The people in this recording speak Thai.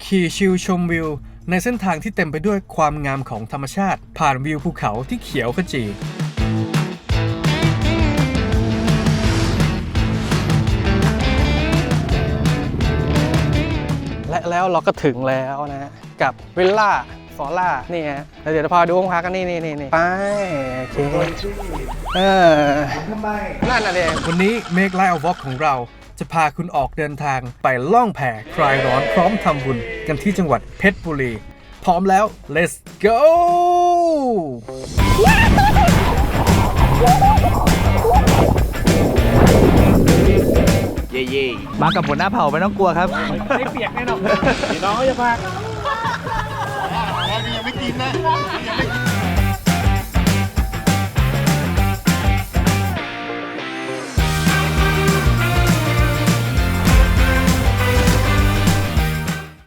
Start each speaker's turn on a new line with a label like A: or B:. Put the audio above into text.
A: ขี่ชิลชมวิวในเส้นทางที่เต็มไปด้วยความงามของธรรมชาติผ่านวิวภูเขาที่เขียวขจีและแล้วเราก็ถึงแล้วนะฮะกับวิลล่าฟอร่านี่ฮะเดี๋ยวพาดูห้องพักกันนี่ไปโอเค
B: ทำไม
A: นั่นน่ะเองวันนี้ Make Life a Walk ของเราจะพาคุณออกเดินทางไปล่องแพคลายร้อนพร้อมทำบุญกันที่จังหวัดเพชรบุรีพร้อมแล้ว let's go
B: เย่
C: มากับหัวหน้าเผ่าไม่ต้องกลัวครับ
A: ไม่เปียกแน่นอน
B: พี่น้องเขาจะพาแล้วยังไม่กินนะยังไม่กิน